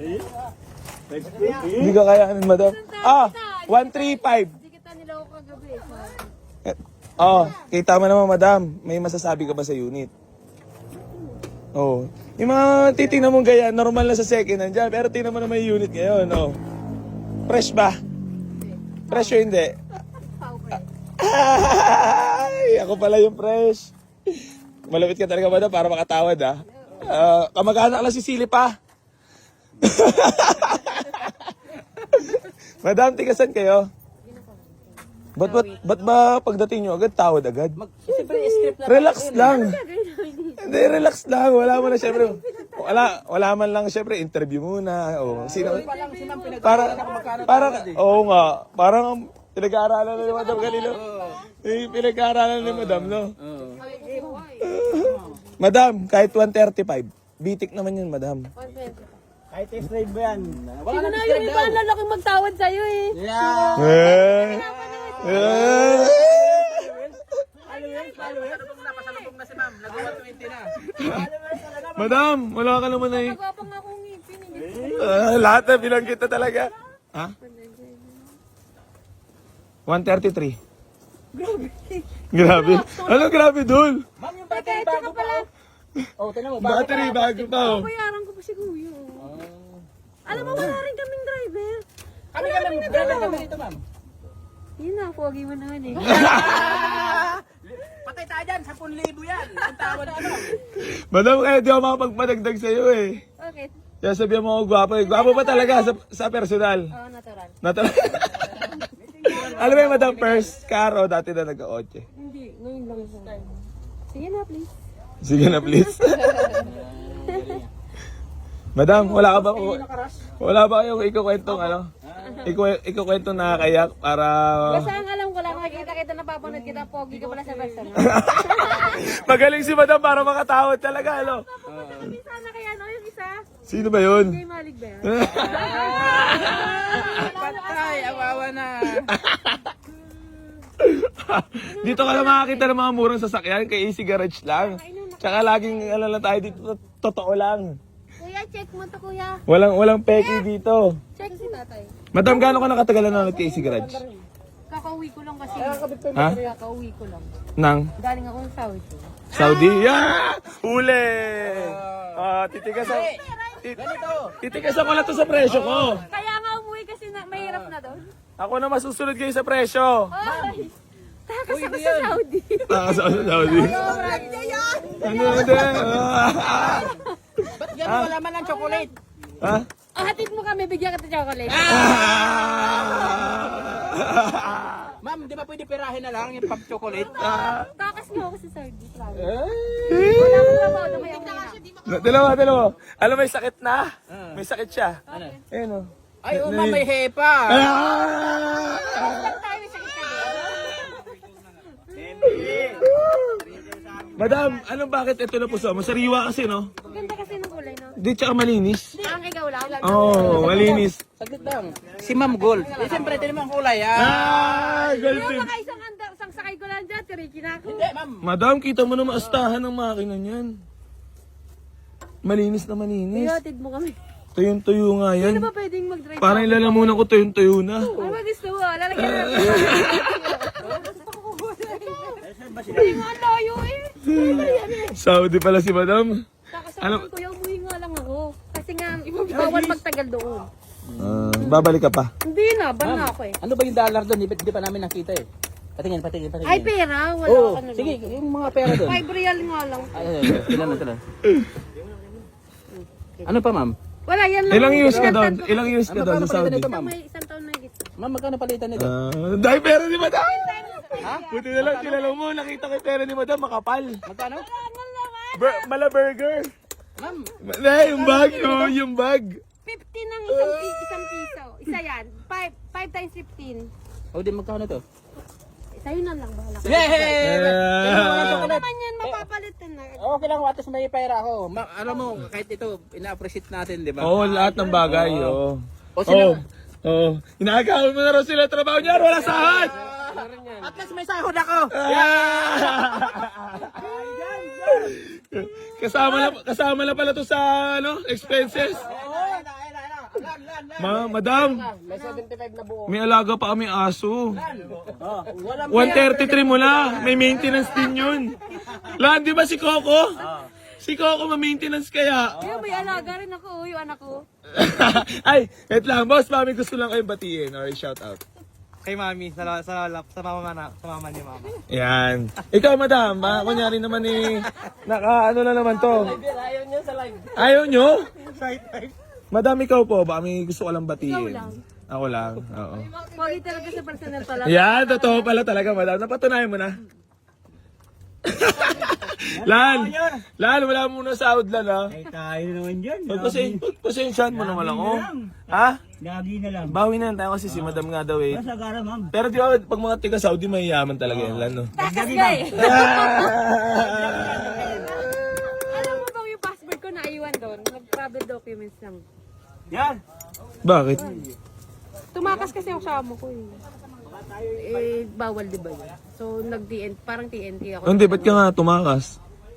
Hindi ka kayanin, madam. 135. Hindi kita niloko kagabi. Kita mo naman, madam. May masasabi ka ba sa unit? Yung mga titingnan mong gaya, normal na sa second hand dyan. Pero tingnan mo naman yung unit ngayon, Fresh ba? Fresh o hindi? Ay, ako pala yung fresh. Malapit ka talaga, madam, para makatawad, kamag-anak lang si Silip, Madam, tigasan kayo? Ba't ba pagdating nyo agad, tawad agad? Relax lang. Hindi, relax lang. Wala man lang, syempre. Wala man lang, syempre, interview muna. Sino? Oo nga. Parang pinag-aaralan na ni Madam kanino. Pinag-aaralan ni Madam, no? Madam, kahit 135. Bitik naman yun, Madam. 120. Kahit test-drive ba yan? Sino na yung iba na laking magtawad sa'yo eh. Napasalubong na si ma'am. Nag-120 na. Madam, wala ka naman eh. Nagwapang akong ngipin. Lahat na bilang kita talaga. 133. Grabe. Ano grabe, Dul? Ma'am, yung battery bago pa. Tingnan mo. Battery bago pa, Bayaran ko pa si Kuya. Alam mo, wala rin kaming driver. Kami driver kami dito, ma'am. Yun na, pogi mo naman eh. Patay tayo dyan, 10,000 yan. Ang tawad na ano. Madam, kaya di ako makapagpadagdag sa'yo eh. Okay. Kaya sabihan mo ako gwapo eh. Gwapo ba talaga sa personal? Oo, natural. Alam mo yung Madam First, Caro, dati na nag-8. Hindi, ngayon lang yung time. Sige na, please. Sige na, please. Madam, wala ba kayong ikukwentong ikukwentong nakakayak para... Basta ang alam ko lang, nakikita kita, napapanood kita, pogi ka pala sa personal. Magaling si Madam para makatawad talaga, Sana kaya ano yung isa? Sino ba yun? Kay Malik ba yan? Patay, awawa na. Dito ka na makakita ng mga murang sasakyan kay Easy Garage lang. Tsaka laging lang tayo dito, totoo lang. Kuya, check mo to, kuya. Walang peki dito. Check si tatay. Madam, gaano ka nakatagal na nanonood kay Easy Garage? Kakauwi ko lang kasi. Ha? Kakauwi ko lang. Nang? Galing ako sa Saudi. Saudi? Yeah! Uli! Titigasan ko lang to sa presyo ko. Kaya nga umuwi kasi mahirap na doon. Ako na masusunod kayo sa presyo. Ay! Takas ako sa Saudi. Sa Saudi. Ano din? Ba't gano'n wala man ng chocolate? Ha? Hatid mo kami, bigyan kita chocolate. Ma'am, di ba pwede pirahin na lang yung pag-chocolate? Takas mo ako sa Saudi. Wala akong trabaho na may Dalawa. Alam, may sakit na. May sakit siya. Ano? Ayun o. Ay, ma'am, may hepa. Madam, anong bakit ito na puso mo? Sariwa kasi, no? Ganda kasi ng kulay, no? Di, tsaka malinis. Ang ikaw lang. Malinis. Saglit lang. Si Ma'am Gold. Siyempre, ito naman kulay, Gold Yung tip. mga isang sakay ko lang dyan, tiriki na ako. Hindi, ma'am. Madam, kita mo na maastahan ng makina niyan. Malinis na malinis. Hatid mo kami. Tuyong-tuyo nga yan. Ano ba pwedeng mag-drive? Parang ilalamunan ko tuyong-tuyo na. Ano ba gusto mo? Lalagyan na natin. Hindi nga layo eh. Saudi pala si Madam. Ano? Kuya, umuwi nga lang ako. Kasi nga, bawal magtagal doon. Babalik ka pa. Hindi na, ban na ako eh. Ano ba yung dollar doon? Hindi pa namin nakita eh. Patingin. Ay, pera? Wala Oo, ka na. sige, yung mga pera doon. 5 real nga lang. Ay, tinan. Ano pa, ma'am? Wala, yan lang. Ilang years ka doon? Ilang years ka Ano doon pa sa palitan Saudi? nito, ma'am? May isang taon na higit. Ma'am, magkano palitan nito? Dahil pera ni Madam! Buti na lang, kilala mo, nakita ko yung pera ni Madam, makapal. Magkano? Mala burger. Ma'am, Yung bag, yung bag. 50 ng isang piso. Isa yan. 5 times 15. o di magkano to? Sa'yo na lang, bahala ka. Yay! Ano naman yan, mapapalitan na. Okay lang, watas may pera ako. Alam mo, kahit ito, ina-appreciate natin, di ba? Oo, lahat ng bagay, O sila, Inaagawan mo na raw sila trabaho niya, wala sahod! at least may sahod ako! Kasama na pala to sa expenses. Oo, ayun na. Madam, May 75 na buo. may alaga pa kami aso. Walang 133 mo na. May maintenance din yun. Lan, di ba si Coco? Si Coco ma-maintenance kaya. Ayun, may alaga rin ako, yung anak ko. Ay, wait lang. Boss, mami, gusto lang kayong batiin or shout out. Kay mami, sa mama ni mama. Yan. Ikaw, madam, kunyari naman ano na naman to. Ayaw niya sa live. Ayaw nyo? Madam, ikaw po, baka may gusto ko lang batiin. Ikaw lang. Ako lang, oo. Pogi talaga sa personal pala. Yan, totoo pala talaga, madam. Napatunayan mo na. Lan, wala muna sahod lan, ha? Ay, tayo naman dyan. Pagpasensyahan mo naman ako. Ha? Lagi na lang. Bawi na lang tayo kasi si madam nga daw eh. Masagara, ma'am. Pero di ba, pag mga tiga Saudi, mayayaman talaga yan, lan, no? Takas guy! Alam mo bang yung passport ko naiwan doon? Nag-travel documents lang. Yan. Bakit? Tumakas kasi ako sa amo ko eh. Bawal di ba yun? So, parang TNT ako. Hindi, ba't ka nga tumakas?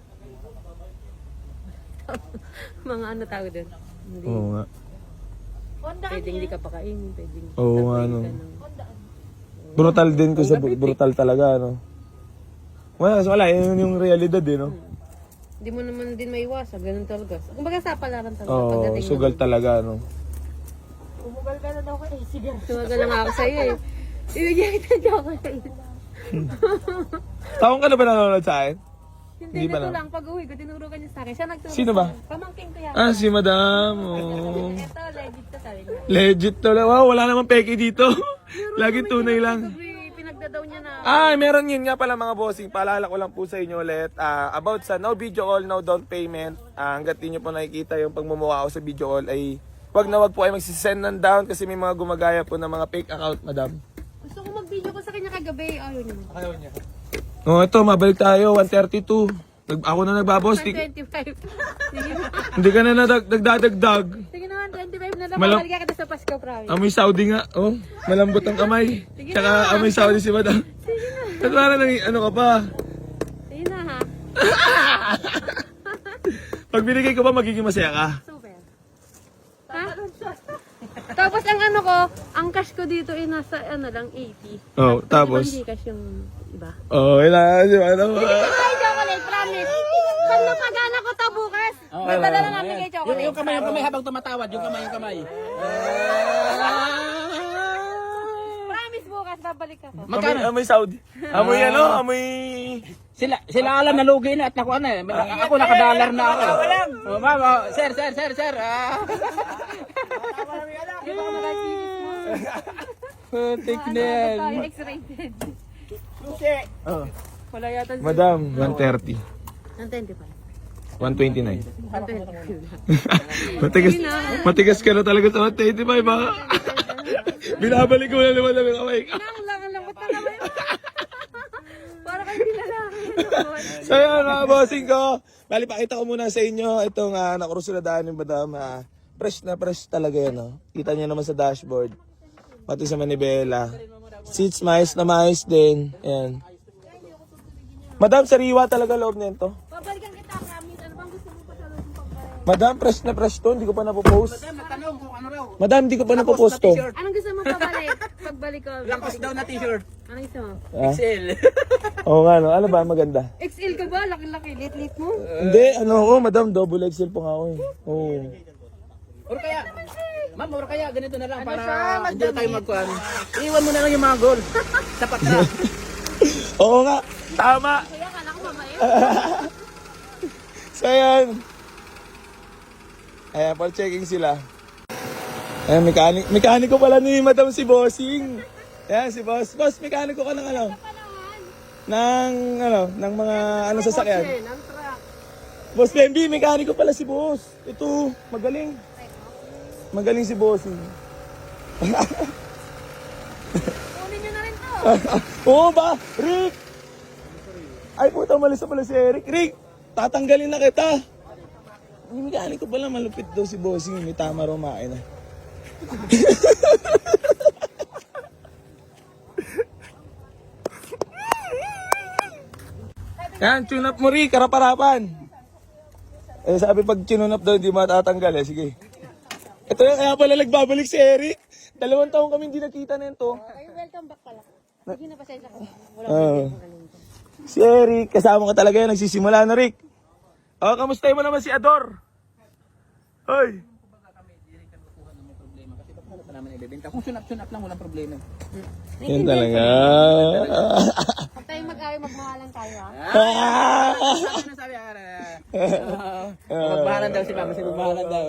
Mga ano tawag doon? Hindi. Oo nga. Pwedeng hindi ka pakainin, pwedeng Oo nga, tatayin no. ka ng- Brutal din ko sa brutal talaga, no? Wala, yun yung realidad eh, no? Hindi mo naman din maiwasan, ganun talaga. Kumbaga sa palaran talaga. Oo, pagdating sugal ng- talaga, no? Umugal ka na daw ka eh, sige. Sumagal lang ako sa'yo eh. Ibigyan kita ng chocolate. Taong ka na ba nanonood sa akin? Hindi pa nito na. lang, pag-uwi ko, tinurukan niya sa akin. Siya nagturo Sino sa ba? akin. Pamangking ko yan. Ah, si madam. Oh. Ito, legit to sabi niya. Legit to lang. Wow, wala namang peke dito. Lagi tunay lang. Sabi, pinagdadaw niya na. Ah, meron yun nga pala mga bossing. Paalala ko lang po sa inyo ulit. About sa no video call, no down payment. Hanggat di nyo po nakikita yung pagmumukha ko sa video call ay wag na wag po kayo magsisend ng down kasi may mga gumagaya po ng mga fake account, madam. Gusto ko mag-video ko sa kanya kagabi. Ayaw niya. Oh, ito, mabalik tayo. 132. Ako na nagbaboss. 125. Sige na. Hindi ka na nagdadagdag. Sige naman, 25 na lang. Malam- Babalik ka sa Pasko, promise. Amoy Saudi nga. Oh, malambot ang kamay. Sige Tsaka na. amoy Saudi si madam. Sige na. At parang ano ka pa. Sige na ha. Pag binigay ko ba, magiging masaya ka? Super. Ha? Tapos ang ano ko, ang cash ko dito ay nasa ano lang, 80. Oh, tapos? Hindi cash yung iba. Oh, wala. Ano? Ay, chocolate, promise. Pag napagana ko to bukas, magdala na namin kay chocolate. Yung kamay habang tumatawad, yung kamay. Promise bukas, babalik ako. Amoy Saudi. Amoy ano? Amoy... Sila alam na lugi na at ako ano eh. Ako nakadalar na ako. Oh, ma'am, sir. Di ba ako nag-cheese mo? Putik na Ano yan. tayo, X-rated. Oh. Wala yata. Madam, 130. Ang 20 pa. 129. Ang 20. Matigas ka na talaga sa 125, baka. Binabalik ko na naman ng kamay ka. Ang lambot na naman. Para kayo lalaki. So yun, mga bossing ko. Bali, pakita ko muna sa inyo itong nakurusuladaan yung madam. Fresh na fresh talaga yan. Oh. Kita niyo naman sa dashboard. Pati sa manibela. Seats mais na mais din. Ayan. Madam, sariwa talaga loob nito. Babalikan kita, promise. Ano bang gusto mo pa sa loob ng pagkain? Madam, fresh na fresh to. Hindi ko pa napopost. Natanong kung ano raw. Madam, hindi ko pa napopost to. Anong gusto mo pabalik? Pagbalik ko. Lakos daw na t-shirt. Anong gusto mo? Ah? XL. Oo nga, no? Ano ba? Maganda. XL ka ba? Laki-laki. Lit-lit mo. Hindi, ano ako, madam, double XL po nga ako eh. Oo. Or kaya, ma'am, or kaya ganito na lang para hindi na tayo magkuhan. Iwan mo na lang yung mga goal. Sapat na. Oo nga, tama. Kaya kala ko mabait. So yan. Ayan, for checking sila. Ayan, mekaniko pala ni madam si Bossing. Ayan, si Boss. Boss, mekaniko ka ng ano? Ng mga ano sasakyan. Ang truck. Boss Bambi, mekaniko pala si Boss. Ito, magaling. Magaling si Bossing. Kunin nyo na rin to. Oo ba? Rick! Ay puta, malis na pala si Eric. Rick, tatanggalin na kita. Yung mekaniko pala malupit daw si Bossing. May tama raw makina. Yan, tune up mo Rick, karaparapan. Eh sabi pag tune up daw, hindi matatanggal eh. Sige. Ito na kaya pala nagbabalik si Eric. 2 taon kami hindi nakita na ito. Ay, welcome back pala. Sige na, pasensya ko. Wala Si Eric, kasama ka talaga yan. Nagsisimula na, Rick. Kamusta mo naman si Ador? Hoy. Naman ibebenta. Kung sunap-sunap lang, walang problema. Yan talaga. Huwag tayong mag-away, magmahalan tayo, ha? Sabi, magmahalan daw si ma'am. Kasi magmahalan daw.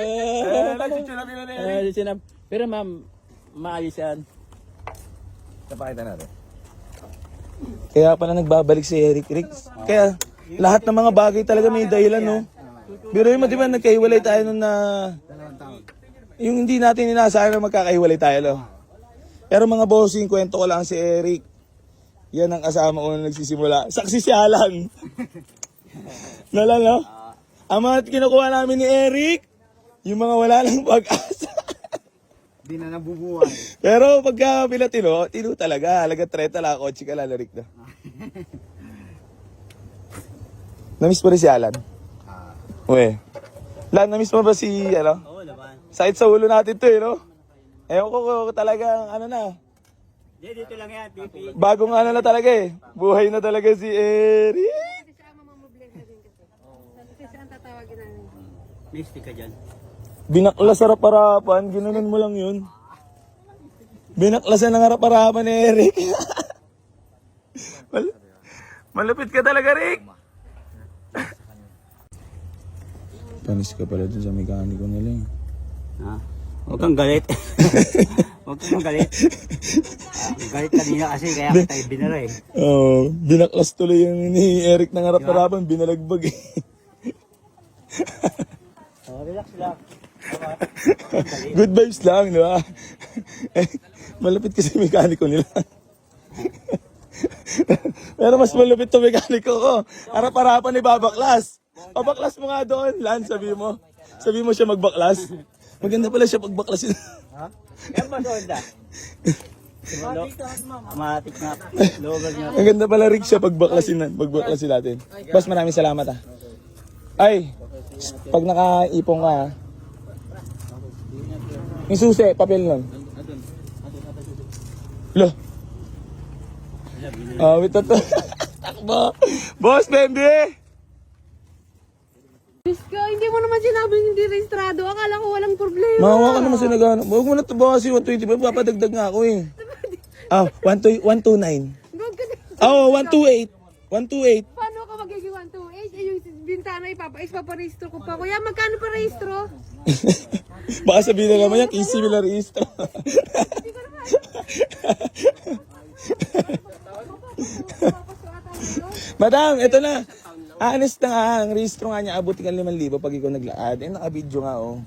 Pero ma'am, maayos yan. Napakita natin. Kaya pala nagbabalik si Eric, Rick. Kaya lahat ng mga bagay talaga may dahilan, no? Pero yung di ba nagkahiwalay tayo nung na... Yung hindi natin inaasahan na magkakahiwalay tayo, no? Pero mga bossing, kwento ko lang si Eric. Yan ang kasama ko na nagsisimula. Saksi si Alan. Nala, no? Ang mga kinukuha namin ni Eric, yung mga wala lang pag-asa. Di na nabubuhay. Pero pagka pinatino, tino talaga. Halaga 30 lang, kotse ka lalarik na. Namiss mo rin si Alan? Uwe. Lan, namiss mo ba si, ano? Oo naman. Sakit sa ulo natin to, eh, no? Ewan ko talaga, ano na. Dito lang yan, pipi. Bagong ano na talaga eh. Buhay na talaga si Eric. Kasi siya ang mamamobless na din kasi. Kasi siya ang tatawagin namin. Misty ka dyan. Binaklas sa harap-harapan, ginanon mo lang yun. Binaklasan ng harap-harapan ni Eric. Malupit ka talaga, Rick. Panis ka pala dun sa mekaniko nila. Ha? Huwag kang galit. Huwag kang galit. Galit kanina kasi kaya kita ibinara eh. Oo, binaklas tuloy yung ni Eric ng harap-harapan, binalagbag eh. Relax lang. Good vibes lang, di ba? Malupit kasi mekaniko nila. Pero mas malupit to mekaniko ko. Harap-harapan ni babaklas. Pabaklas mo nga doon, Lan, sabi mo. Sabi mo siya magbaklas. Maganda pala siya pagbaklasin. Ha? Kaya ba sonda? Matik na. Lower niya. Maganda pala Rick siya pagbaklasin natin. Boss, maraming salamat ah. Ay, pag nakaipong ka ah. Yung susi, papel nun. Lo. Wait na to. Takbo. Boss, Bembe! Diyos ko, hindi mo naman sinabi hindi rehistrado. Akala ko walang problema. Mahawa ka naman sa nagano. Huwag mo na ito ba kasi 125. Papadagdag nga ako eh. 129. Gawag ka na. 128. 128. Paano ka magiging 128? Eh, yung bintana ipaparehistro ko pa. Kuya, magkano pa rehistro? Baka sabihin na naman yan, easy mo na rehistro. Hindi ko naman. Madam, ito na. Honest na nga, ang rehistro nga niya, abuti ka 5,000 pag ikaw naglaad. Eh, naka-video nga oh.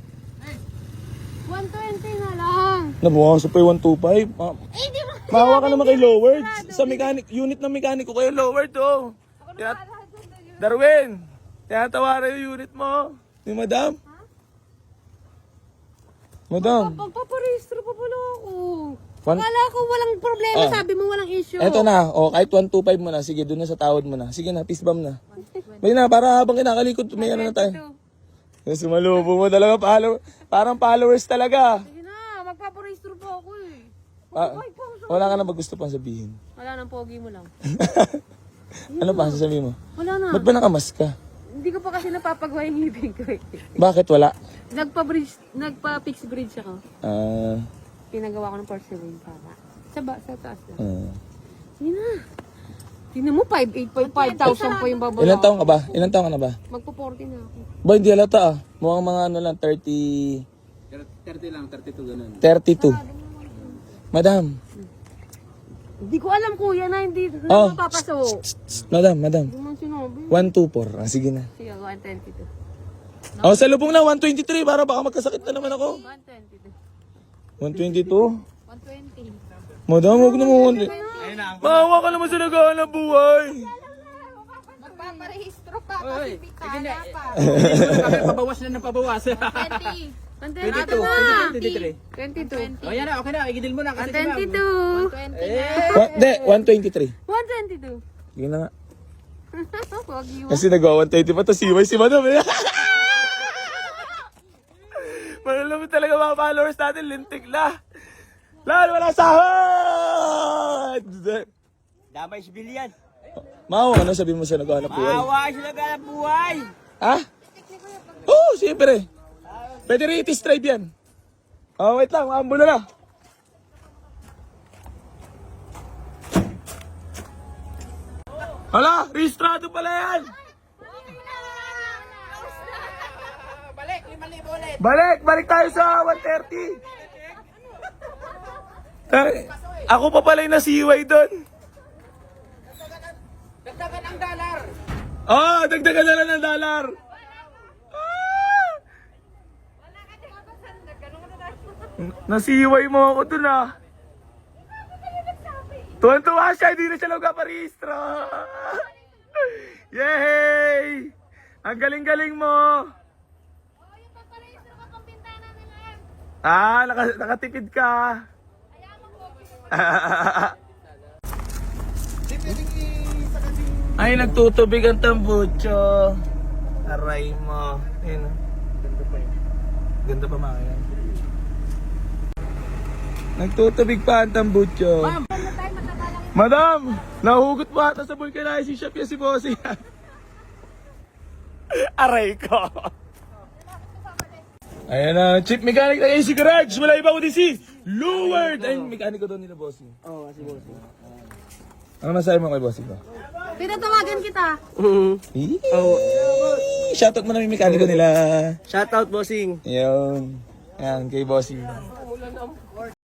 120 na lang. Nabukasan pa yung 125. Eh, di mo. Mahawa ka naman kay Lowered. Sa mechanic, unit ng mekaniko kayo, Lowered oh. Darwin, tinatawaran yung unit mo. Ni Madam. Madam. Pagpaparehistro pa pala ako. One- Akala ko walang problema. Sabi mo walang issue. Eto na, kahit 125 mo na. Sige, doon na sa tawad mo na. Sige na, peace bomb na. May na, para habang kinakalikot, may ano na tayo. Yes, sumalubo mo talaga, parang followers talaga. Sige na, magpaparehistro pa ako eh. Wala ka na ba gusto pang sabihin? Wala nang pogi mo lang. Ano pa sasabihin mo? Wala na. Ba't ba nakamask ka? Hindi ko pa kasi napapagawa yung ngipin ko eh. Bakit wala? Nagpa-fix bridge ako. Pinagawa ko ng porcelain para. Sa taas na. Sige na. Tingnan mo, 5,000 pa yung babayaran. Ilan taong ka ba? Ilan taong ka na ba? Magpo-40 na ako. Ba, hindi halata ah. Mukhang mga ano lang, 30... 30 lang, 32 ganun. 32. Madam. Hindi ko alam kuya na hindi Oh. na mapapasok. Madam. Hindi man sinabi. 124. Sige na. Sige, 122. Sa lubong na, 123. Para baka magkasakit na naman ako. 122. 122? 120. Madam, huwag na mo. Ayun na. Mahawa ka naman sa naghahanap buhay. Magpaparehistro pa Oy, kasi pitala pa. Pabawas na ng pabawas. 20. 22, 22. 22. O yan na, okay na. Igidil mo na kasi si ma'am. 122. 120 Hindi, 123. 122. Sige na nga. Pogi mo. Kasi nagawa 120 pa to si Madam eh. Malulungkot talaga mga followers natin, lintik na. Lalo, wala sahod! Damay si Bilian. Mau, ano sabihin mo sa naghahanap buhay? Maawa sila ganap buhay. Ha? Oo, siyempre. Pwede rin itis drive yan. Oh, wait lang, maambo na na. Hala, rehistrado pala yan. Balik, 5,000 ulit. Balik tayo sa 130. Ay, ako pa pala yung nasiway doon. Dagdagan ang dollar. Oh, dagdagan na lang ng dollar. Nasiway mo ako dun ah. Tuwan-tuwa siya, hindi na siya nagpaparehistro. Yay! Ang galing-galing mo. Ah, nakatipid ka. Ay, nagtutubig ang tambucho. Aray mo. Ayun. Ganda pa yun. Ganda pa mga yan. Nagtutubig pa ang tambucho. Madam, nahugot pa ata sa vulcanizing shop yan si Bossy. Aray ko. Ayan na, chief mechanic ng AC Garage. Wala iba kundi si Lord. Ay, mekaniko doon nila Bossy. Oo, si Bossy. Ano masabi mo kay Bossy ko? Pinatawagan kita. Shoutout mo na yung mekaniko nila. Shoutout, Bossing. Yun. Ayan, kay Bossy.